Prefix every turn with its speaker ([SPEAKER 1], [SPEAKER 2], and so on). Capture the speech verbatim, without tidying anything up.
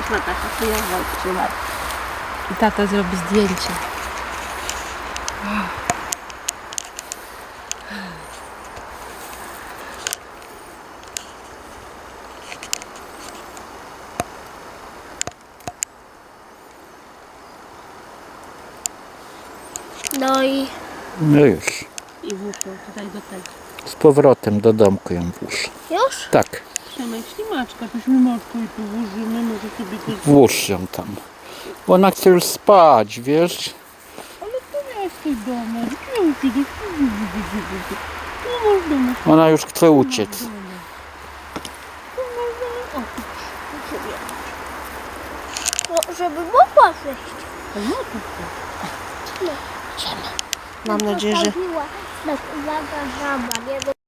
[SPEAKER 1] Patrz na tata, chujowo trzymaj.
[SPEAKER 2] I tata zrobi zdjęcie.
[SPEAKER 1] No i...
[SPEAKER 3] No już.
[SPEAKER 1] I włóżę tutaj do tego.
[SPEAKER 3] Z powrotem do domku ją włóż.
[SPEAKER 1] Już?
[SPEAKER 3] Tak,
[SPEAKER 1] Przemek, ślimaczka, tośmy matko i tu włożymy, może sobie to...
[SPEAKER 3] włóż ją tam. Bo ona chce już spać, wiesz?
[SPEAKER 1] Ale to miałeś tej domu, gdzie uciekł? No można, no
[SPEAKER 3] Ona już chce uciec.
[SPEAKER 1] no, żeby mogła wyjść. No to
[SPEAKER 2] Mam nadzieję, że
[SPEAKER 1] Uwaga, żaba, nie